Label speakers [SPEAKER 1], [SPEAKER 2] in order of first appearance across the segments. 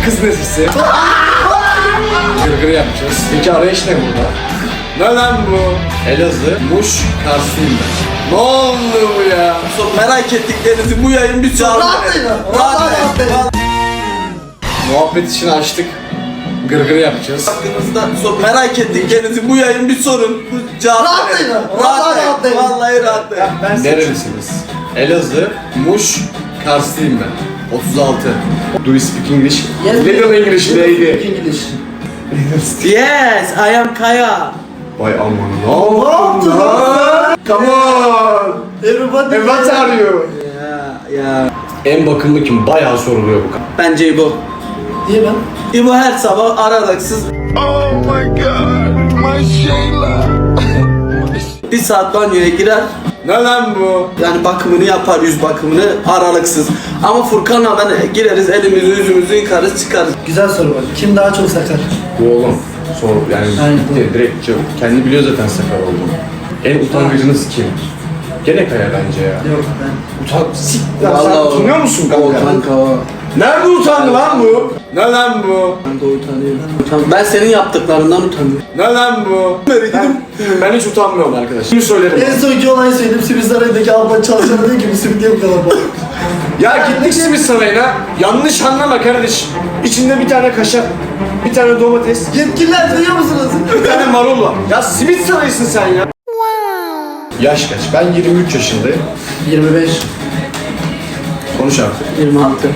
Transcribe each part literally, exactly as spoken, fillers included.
[SPEAKER 1] kız nezisi. Gırgır yapacağız. Peki arayış ne burada? Ne lan bu? Elazığ, Muş, Karslıyım ben. Ne oldu bu ya?
[SPEAKER 2] Çok merak ettiklerinizi bu yayın bir cevap verin. Rahat verin.
[SPEAKER 1] Muhabbet için açtık. Gırgır yapacağız.
[SPEAKER 2] Hakkınızda çok merak ettiklerinizi bu yayın bir sorun. Bu cevap
[SPEAKER 3] Rahatlayın.
[SPEAKER 2] verin.
[SPEAKER 3] Vallahi rahatlayın.
[SPEAKER 2] Vallahi rahatlayın.
[SPEAKER 3] Ben
[SPEAKER 1] Nerelisiniz? Elazığ, Muş, Karslıyım ben. otuz altı. Do you speak English? Little English lady.
[SPEAKER 3] English.
[SPEAKER 2] Yes, I am Kaya.
[SPEAKER 1] Vay aman ne oldu lan? Come on.
[SPEAKER 3] Everybody.
[SPEAKER 1] And what are you?
[SPEAKER 2] Ya ya.
[SPEAKER 1] En bakımlı kim? Bayağı soruluyor bu.
[SPEAKER 2] Bence İbo.
[SPEAKER 3] Niye ben?
[SPEAKER 2] İbo her sabah aralıksız
[SPEAKER 4] Oh my god, my Sheila.
[SPEAKER 2] bir saat banyoya girer.
[SPEAKER 1] Ne lan bu?
[SPEAKER 2] Yani bakımını yapar, yüz bakımını aralıksız. Ama Furkan'la ben gireriz, elimizi yüzümüzü yıkarız, çıkarız.
[SPEAKER 3] Güzel soru bak. Kim daha çok sakar?
[SPEAKER 1] Bu oğlum. Sor yani
[SPEAKER 3] Aynen.
[SPEAKER 1] direkt, direkt cevap. Kendi biliyor zaten sakar olduğunu. En utangıcınız kim? Gene Kaya bence ya.
[SPEAKER 3] Yok ben.
[SPEAKER 1] Utan... Sik lan
[SPEAKER 2] Vallahi
[SPEAKER 1] sen
[SPEAKER 2] o-
[SPEAKER 1] utanıyor musun
[SPEAKER 2] O
[SPEAKER 1] kanka?
[SPEAKER 2] kanka o.
[SPEAKER 1] Nerede utandı lan bu? Ne lan bu?
[SPEAKER 2] Ben de utanıyorum. Utan- Ben senin yaptıklarından utanıyorum.
[SPEAKER 1] Ne lan bu? Ben, ben hiç utanmıyorum arkadaş. Şimdi söylerim.
[SPEAKER 3] En sonki olayı söyledim. Simit Sarayı'ndaki Alman çalışanı diyor ki bu simit niye bu kadar pahalı?
[SPEAKER 1] Ya gittik simit sarayına. Yanlış anlama kardeşim. İçinde bir tane kaşar, bir tane domates,
[SPEAKER 3] Yetkililer duyuyor musunuz?
[SPEAKER 1] bir tane marul var. Ya simit sarayısın sen ya. Yaş kaç? Ben yirmi üç yaşındayım.
[SPEAKER 3] yirmi beş.
[SPEAKER 1] Konuş artık.
[SPEAKER 2] yirmi altı.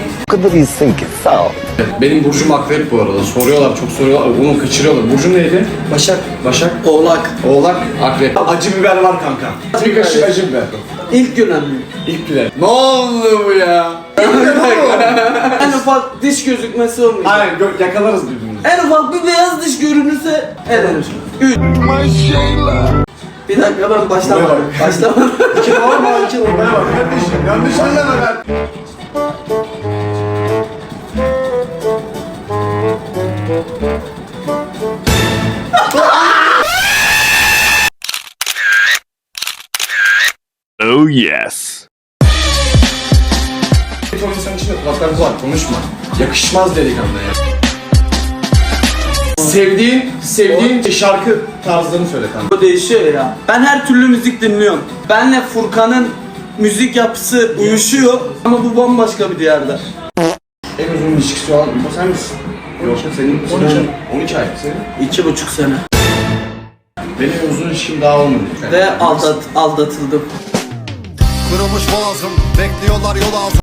[SPEAKER 1] Benim burcum akrep bu arada. Soruyorlar, çok soruyorlar. Onu kaçırıyorlar. Burcun neydi?
[SPEAKER 3] Başak.
[SPEAKER 1] Başak.
[SPEAKER 2] Oğlak.
[SPEAKER 1] Oğlak, akrep. Acı biber var kanka. Bir kaşık acı biber.
[SPEAKER 2] İlk gülen mi?
[SPEAKER 1] İlk biber. Ne oldu bu ya?
[SPEAKER 2] En ufak diş gözükmesi olmuyor.
[SPEAKER 1] Aynen gö- yakalarız birbirimizi.
[SPEAKER 2] En ufak bir beyaz diş görünürse elenir. Üç.
[SPEAKER 4] My Sheila.
[SPEAKER 2] Bir dakika ben başlamadım.
[SPEAKER 1] Buraya
[SPEAKER 2] Başlamadım.
[SPEAKER 1] İki normal, iki normal bak kardeşim. Yanlış anlama ben.
[SPEAKER 4] Oh yes.
[SPEAKER 1] Bir ton insan içinde kulaklar var, konuşma. Yakışmaz delikanlı ya. Sevdiğin, sevdiğin şarkı tarzlarını söyle kanka.
[SPEAKER 2] Bu değişiyor ya. Ben her türlü müzik dinliyorum. Benle Furkan'ın müzik yapısı uyuşuyor ama bu bambaşka bir diyarda.
[SPEAKER 1] En uzun ilişkisi olan bu sen misin? Yok senin
[SPEAKER 3] on iki.
[SPEAKER 1] on iki ay senin.
[SPEAKER 2] İki buçuk sene.
[SPEAKER 1] Benim en uzun ilişkim daha olmadı.
[SPEAKER 2] Ve aldat, aldatıldım.
[SPEAKER 5] Kırılmış boğazım, bekliyorlar yol ağzım.